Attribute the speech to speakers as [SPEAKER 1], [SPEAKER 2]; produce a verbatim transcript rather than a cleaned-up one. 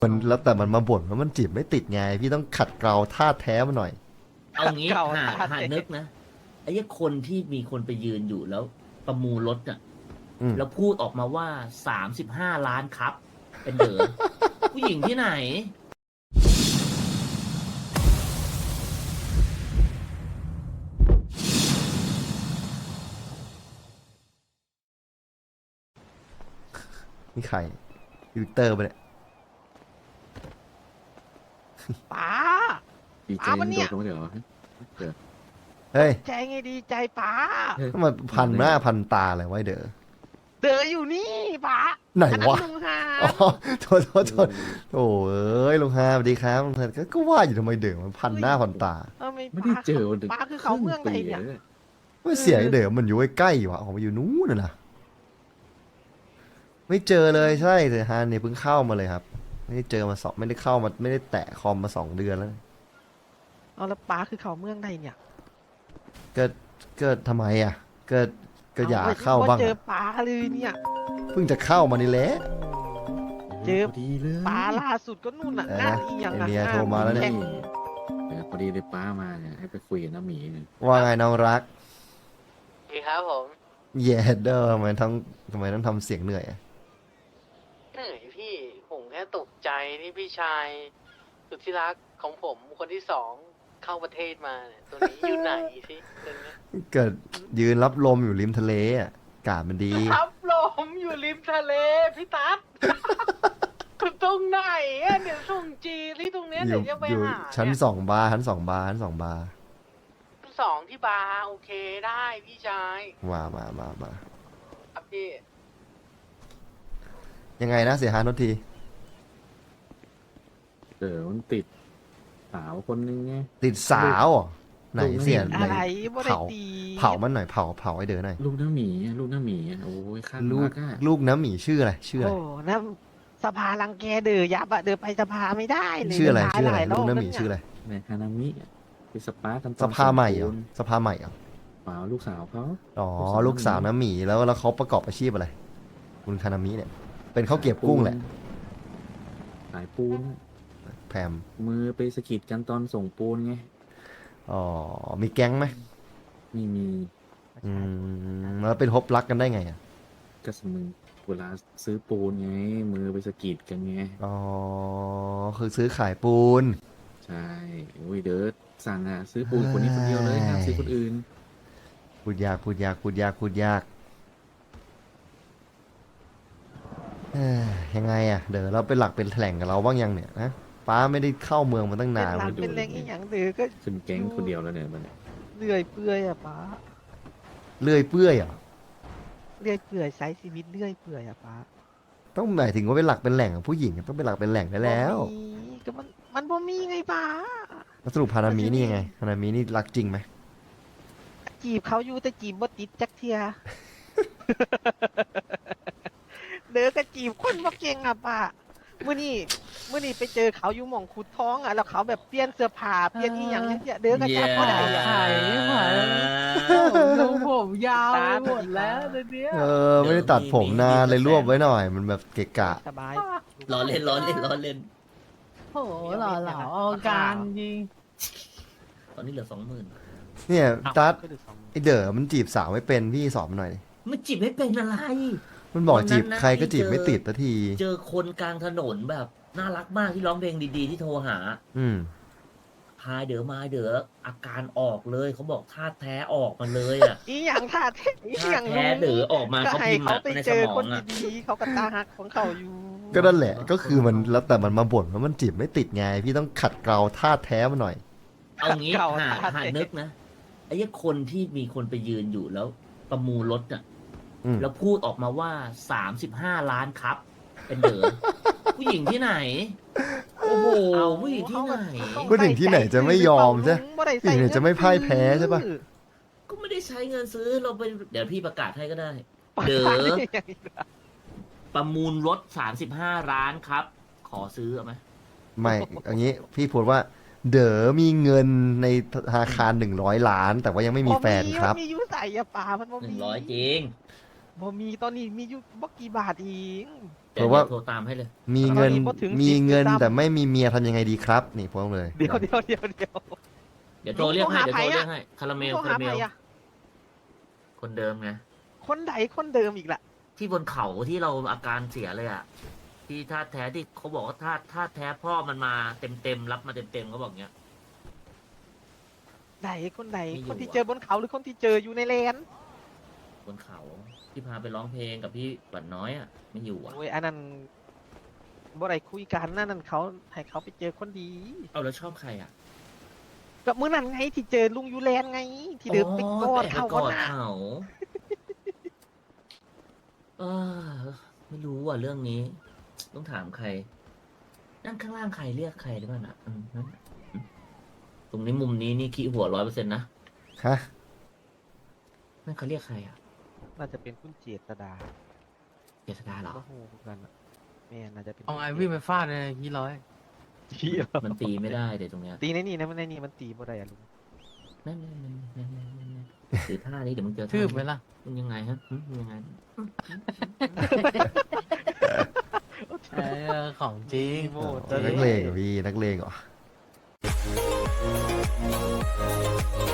[SPEAKER 1] มันแล้วแต่มันมาบ่นว่ามันจีบไม่ติดไงพี่ต้องขัดเกลาท่าแท้มาหน่อย
[SPEAKER 2] เอางี้
[SPEAKER 3] เก่า
[SPEAKER 2] หา
[SPEAKER 3] ท่า
[SPEAKER 2] หา
[SPEAKER 3] เตะ
[SPEAKER 2] นึกนะไอ้ยี่คนที่มีคนไปยืนอยู่แล้วประมูลรถอ่ะ
[SPEAKER 1] อืม
[SPEAKER 2] แล้วพูดออกมาว่าสามสิบห้าล้านครับ เป็นเด๋อ ผู้หญิงที่ไหน
[SPEAKER 1] นี่ใครวิกเตอร์ปะเนี่ย
[SPEAKER 3] ป๋า
[SPEAKER 4] ดีใจ
[SPEAKER 3] ป๋ามัน
[SPEAKER 4] โด
[SPEAKER 3] เนี่ย
[SPEAKER 4] ดลงมาเดี๋ยวเหรอเดี๋ยว
[SPEAKER 1] เฮ้ย
[SPEAKER 3] ใจไงดีใจป๋า
[SPEAKER 1] ทำไมพันหน้าพันตาอะไรไว้เด้อ
[SPEAKER 3] เดออยู่นี่ป๋า
[SPEAKER 1] ไหน
[SPEAKER 3] อั
[SPEAKER 1] วะ
[SPEAKER 3] ลุงฮา
[SPEAKER 1] อ๋อโทษโทษโทษโอ้เอ้ยลุงฮาสวัสดีครับลุงฮาก็ก็ว่าอยู่ทำไมเด้อมันพันหน้าพันตา
[SPEAKER 3] เออไม่
[SPEAKER 4] ไม่ได้เจอ
[SPEAKER 3] ป๋าป๋าคือเขาเมืองไหนเนี่ย
[SPEAKER 1] ไม่เสียไอ้เด้อมันอยู่ใกล้ๆวะออกมาอยู่นู้นน่ะนะไม่เจอเลยใช่แต่ฮานเนี่ยเพิ่งเข้ามาเลยครับ ไม่ได้เจอมาสองไม่ได้เข้ามาไม่ได้แตะคอมมาสองเดือนแล้ว
[SPEAKER 3] เอาแล้วป๋าคือเขาเมืองไหนเนี่ย
[SPEAKER 1] ก็ก็ทำไมอ่ะก็ก็อยาก
[SPEAKER 3] ไม่
[SPEAKER 1] เข้าบ้าง
[SPEAKER 3] เจอ
[SPEAKER 1] อะ
[SPEAKER 3] ป๋าเลยเนี่ย
[SPEAKER 1] เพิ่งจะเข้ามานี่แหละ
[SPEAKER 3] เจอ
[SPEAKER 4] พอดีเลย
[SPEAKER 3] ป๋าล่าสุดก็นู่นน่ะ
[SPEAKER 1] เออ
[SPEAKER 3] งานอีหยัง
[SPEAKER 1] ไอ
[SPEAKER 3] อะ
[SPEAKER 1] เดียโทรมาแล้วเนี่ย
[SPEAKER 3] ข่ง
[SPEAKER 4] เออพอดีเลยป้ามาเนี่ยให้ไปคุยกับน้าหมีเนี่ย
[SPEAKER 1] ว่าไงน้องรัก
[SPEAKER 5] ดีครับผม
[SPEAKER 1] เย่เด้อทำไมต้องทำไมต้องทำเสียงเหนื่อยอะ
[SPEAKER 5] เหนื่อยพี่ผมแค่ตกใจที่พี่ชายสุดที่รักของผมคนที่สองเข้าประเทศมาเนี่ยตัวนี้อยู่ไหนสิตัวนี้
[SPEAKER 1] เกิดยืนรับลมอยู่ริมทะเลอ่ะอากาศมันดี
[SPEAKER 5] ทับลมอยู่ริมทะเลพี่ตั๊ด คือตรงไหนอะเดี๋ยวส่งจีที่ตรงเนี้ย
[SPEAKER 1] อ
[SPEAKER 5] เดี๋
[SPEAKER 1] ยู่
[SPEAKER 5] ยวจะไป
[SPEAKER 1] อยู่
[SPEAKER 5] หา
[SPEAKER 1] ชั้น
[SPEAKER 5] เนี่ย
[SPEAKER 1] สองบาร์ชั้นสองบาร์ชั้นสองบาร์
[SPEAKER 5] สองที่บาร์โอเคได้พี่ชาย
[SPEAKER 1] มามามามา
[SPEAKER 5] ครับพี่
[SPEAKER 1] ยังไงนะเสียหายทษที
[SPEAKER 4] เดี๋ยวมันติดสาวคนนึงไง
[SPEAKER 1] ติดสาวเหรอไหนเสีย
[SPEAKER 3] อะ
[SPEAKER 1] ไหน
[SPEAKER 3] ไรบ่ได้
[SPEAKER 1] เผา
[SPEAKER 3] ตี
[SPEAKER 1] เผามันหน่อยเผาเผาไอ้เด๋อหน่อย
[SPEAKER 4] ลูกน้าหมีอะลูกน้าหมีอะโอ้ยข้าง
[SPEAKER 1] ลู
[SPEAKER 4] รั
[SPEAKER 1] ก
[SPEAKER 4] กอะ
[SPEAKER 1] ลูกน้ำหมีชื่ออะไรชื่ออะไร
[SPEAKER 3] โอ้นะสภารังแกเดอยับอะเดอไปสภาไม่ได้เลย
[SPEAKER 1] ชื่ออะไร
[SPEAKER 3] เดิน
[SPEAKER 1] ชื่ออะไร
[SPEAKER 3] หาย
[SPEAKER 1] ลูก
[SPEAKER 3] บ
[SPEAKER 1] น้ำหมี
[SPEAKER 3] แล้ว
[SPEAKER 1] ชื่ออะไร
[SPEAKER 4] ในฮานามิอะไปสปากันตอน
[SPEAKER 1] สภาใหม่เหร
[SPEAKER 4] ส
[SPEAKER 1] อ
[SPEAKER 4] มบูรณ์
[SPEAKER 1] สภาใหม่เหรอ
[SPEAKER 4] เปล่าลูกสาวเขา
[SPEAKER 1] อ๋อ
[SPEAKER 4] ลู
[SPEAKER 1] ลูก
[SPEAKER 4] ก
[SPEAKER 1] สา
[SPEAKER 4] สาว ว
[SPEAKER 1] น้ำหมีแล้วแล้วเขาประกอบอาชีพอะไร คุณคานามิเนี่ย เป็นข้าวเกรียบกุ้งแหละ
[SPEAKER 4] ขายปูนอะ
[SPEAKER 1] แพม
[SPEAKER 4] มือไปสะกิดกันตอนส่งปูนไง
[SPEAKER 1] อ๋อมีแก๊งไหม
[SPEAKER 4] มีมี
[SPEAKER 1] อืมแล้วเป็นฮบรักกันได้ไงอ่ะ
[SPEAKER 4] กระสมือเวลาซื้อปูนไง มือไปสะกิดกันไง
[SPEAKER 1] อ๋อคือซื้อขายปูน
[SPEAKER 4] ใช่โอ้ยเดี๋ยวสั่งอ่ะซื้อปูนคนนี้คนเดียวเลยห้ามซื้อคนอื่น
[SPEAKER 1] พูดยากพูดยากพูดยากพูดยากเอ้ยยังไงอ่ะเดี๋ยวเราเป็นหลักเป็นแหล่งกับเราบ้างยังเนี่ยนะป้าไม่ได้เข้าเมืองมาตั้ง
[SPEAKER 3] เป็น
[SPEAKER 1] นาน
[SPEAKER 3] หลั
[SPEAKER 1] เล
[SPEAKER 3] ง
[SPEAKER 1] ย
[SPEAKER 3] เป็นแรงอีหยังเดอก็
[SPEAKER 4] ขึ้นแก๊งคนเดียวแล้วเนี่ยมัน
[SPEAKER 3] เลื่อยเปื่อยอะป๋า
[SPEAKER 1] เลื่อยเปื่อยเหรอ่ะ
[SPEAKER 3] เลื่อยเปื่อยใช้ชีวิตเลื่อยเปื่อยอะป๋า
[SPEAKER 1] ต้องหมายถึงว่าเป็นหลักเป็นแหล่งของผู้หญิงต้องเป็นหลักเป็นแหล่งได้แล้ว
[SPEAKER 3] บ่มีก็มันมันบ่มีไงป๋า
[SPEAKER 1] แล้วสรุปฮานามินี่ยังไงฮานามินี่รักจริงไหม
[SPEAKER 3] จีบเขาอยู่แต่จีบบ่ติดจักเทีย เด้อก็จีบคนบ่เก่งอ่ะป้ามื้อนี้มื้อนี้ไปเจอเขาอยู่หม่องขุดท้องอ่ะแล้วเขาแบบเปลี่ยนเสื้อผ้าเปลี่ยนอีหยังเนี่ยเด้อก็จับบ่ได้อะ
[SPEAKER 2] ไข่ไข่
[SPEAKER 6] ทรงผมยาวไปหมดแล้วตอนเนี้ย
[SPEAKER 1] เออไม่ได้ตัดผมนานเลยรวบไว้หน่อย มันแบบเกะกะ
[SPEAKER 3] สบาย
[SPEAKER 2] ล้อเล่นล้อเล่นล้อเล่น
[SPEAKER 6] โหหล่อเหลาเอาการจริง
[SPEAKER 2] ตอนนี้เหลือสองหมื่น
[SPEAKER 1] เนี่ยตัด
[SPEAKER 3] ก็ดูสอง
[SPEAKER 1] ไอเด๋อมันจีบสาวไม่เป็นพี่สอนมันหน่อยดิ
[SPEAKER 2] มันจีบไม่เป็นอะไร
[SPEAKER 1] มันบอก
[SPEAKER 2] วันนั้น
[SPEAKER 1] จีบ
[SPEAKER 2] นะ
[SPEAKER 1] ใครก็จีบ
[SPEAKER 2] ที่เจอ
[SPEAKER 1] ไม่ติดสักที
[SPEAKER 2] เจอคนกลางถนนแบบน่ารักมากที่ร้องเพลงดีๆที่โทรหา
[SPEAKER 1] อืม
[SPEAKER 2] พายเด๋อมาเด๋ออาการออกเลยเขาบอกธาตุแท้ออกมาเลยอ่ะ
[SPEAKER 3] อีหยังท่าแท้อี
[SPEAKER 2] ธา
[SPEAKER 3] หยั
[SPEAKER 2] ตุ
[SPEAKER 3] ง
[SPEAKER 2] แท้เด๋อออกมา
[SPEAKER 3] ก็
[SPEAKER 2] เขา
[SPEAKER 3] ให้
[SPEAKER 2] พิมพ์
[SPEAKER 3] เขา
[SPEAKER 2] อะ
[SPEAKER 3] ไป
[SPEAKER 2] ใน
[SPEAKER 3] เจ
[SPEAKER 2] ส
[SPEAKER 3] อ
[SPEAKER 2] มอ
[SPEAKER 3] คน
[SPEAKER 2] งอ่ะ
[SPEAKER 3] ดีๆเขาก็ตาหักของเขาอยู่
[SPEAKER 1] ก็นั่นแหละก็คือมันแล้วแต่มันมาบ่นว่ามันจีบไม่ติดไง พี่ต้องขัดเกลาท่าแท้มาหน่อย
[SPEAKER 2] เอางี้
[SPEAKER 3] เก่า
[SPEAKER 2] หา
[SPEAKER 3] ท่า
[SPEAKER 2] หา
[SPEAKER 3] เตะ
[SPEAKER 2] นึกนะไอ้ยี่คนที่มีคนไปยืนอยู่แล้วประมูลรถอ่ะ
[SPEAKER 1] อืม
[SPEAKER 2] แล้วพูดออกมาว่าสามสิบห้าล้านครับ เป็นเด๋อ ผู้หญิงที่ไหน โอ้โหผู้หญิงที่ไหน
[SPEAKER 1] ผู้หญิงที่ไหนจะไม่ยอมใช่
[SPEAKER 3] บ่ได้
[SPEAKER 1] ผู้หญิงไหนจะไม่พ่ายแพ้ใช่ปะ
[SPEAKER 2] ก็ไม่ได้ใช้เงินซื้อเราไปเดี๋ยวพี่ประกาศให้ก็ได้
[SPEAKER 3] เด้
[SPEAKER 2] เด๋
[SPEAKER 3] อ
[SPEAKER 2] อ ประมูลรถสามสิบห้าล้านครับ ขอซื้อเอาไหม
[SPEAKER 1] ไม่อย่างนี้พี่พูดว่า เด๋อมีเงินในธนาคารหนึ่งร้อยล้าน แต่ว่ายังไม่มีแฟนครับ
[SPEAKER 3] มันมีอยุใส่อะป่ามันบ่
[SPEAKER 2] หนึ่
[SPEAKER 3] มี
[SPEAKER 2] งร้อยจริง
[SPEAKER 3] บ่มีตอนนี้มีอยู่บ่กี่บาทเอง
[SPEAKER 2] เดี๋ยว
[SPEAKER 1] เพราะว่า
[SPEAKER 2] โทรตามให้เลย
[SPEAKER 1] มีเงิน
[SPEAKER 3] ตอนนี้พอถึง
[SPEAKER 1] มี
[SPEAKER 3] สิบ
[SPEAKER 1] เงิน
[SPEAKER 3] ด้วยซ้ำ
[SPEAKER 1] แต่ไม่มีเมียทำยังไงดีครับ นี่พวกเลย
[SPEAKER 3] เดี๋ยวเดี๋ยวเดี๋ยวเดี๋ยว
[SPEAKER 2] เดี๋ยวโทรเรียกให้
[SPEAKER 3] ลุ
[SPEAKER 2] เดี๋ยว
[SPEAKER 3] ง
[SPEAKER 2] โทร
[SPEAKER 3] โทรหา
[SPEAKER 2] เรียกให้คาราเมล
[SPEAKER 3] โทร
[SPEAKER 2] คา
[SPEAKER 3] หา
[SPEAKER 2] ราเม
[SPEAKER 3] ใคร
[SPEAKER 2] ล
[SPEAKER 3] อะ
[SPEAKER 2] คนเดิมไง
[SPEAKER 3] คนใดคนเดิมอีกล่ะ
[SPEAKER 2] ที่บนเขาที่เราอาการเสียเลยอ่ะ ที่ท่าแท้ที่เขาบอกว่าท่าท่าแท้พ่อมันมาเต็มเต็มๆรับมาเต็มเต็มๆเขาบอกเงี้ย
[SPEAKER 3] ใดคนใด
[SPEAKER 2] ไม่อยู่
[SPEAKER 3] คนที่
[SPEAKER 2] อะ
[SPEAKER 3] เจอบนเขาหรือคนที่เจออยู่ในเลน
[SPEAKER 2] บนเขาที่พาไปร้องเพลงกับพี่หวันน้อยอ่ะไม่อยู่อ่ะ
[SPEAKER 3] โอ้ยอันนั้นบ่ได้คุยกันนั่นนั่นเขาให้เขาไปเจอคนดี
[SPEAKER 2] เอาแล้วชอบใครอ่ะ
[SPEAKER 3] ก็มื้อนั้นไงที่เจอลุงยูแลนไง ที่เดินไปกอดเขา
[SPEAKER 2] กอด
[SPEAKER 3] น่ะ
[SPEAKER 2] เขาเออไม่รู้ว่ะเรื่องนี้ ต้องถามใคร นั่งข้างล่างใครเรียกใครหรือเปล่าน่ะอืมนั่นอืมตรงนี้มุมนี้นี่ขี้หัวร้อยเปอร์เซ็นต์นะ
[SPEAKER 1] ฮะ
[SPEAKER 2] นั่นเขาเรียกใครอ่ะ
[SPEAKER 3] น่าจะเป็นคุณเจษดา
[SPEAKER 2] เจษดาเหรอ
[SPEAKER 3] โอ้โหกันอะแม่น่าจะเป็น
[SPEAKER 6] เอาไงวิ่งไปฟาดเลยยี่ร้อย
[SPEAKER 3] ที่
[SPEAKER 2] มันตีไม่ได้เดี๋ยวตรงเนี้ย
[SPEAKER 3] ตีในนี่นะมันในนี่มันตีบ่ได้อะลุง
[SPEAKER 2] นั่นนั่นนั่นนั่นนั่นนั่นนั่นถือท่านี้เดี๋ยวมึงเจอท่า
[SPEAKER 6] ทืบไหมล่ะ
[SPEAKER 2] มันยังไงฮะหึมันยังไง
[SPEAKER 6] เออของจริง
[SPEAKER 3] โมด
[SPEAKER 1] นักเลงเหรอพี่นักเลงเหรอ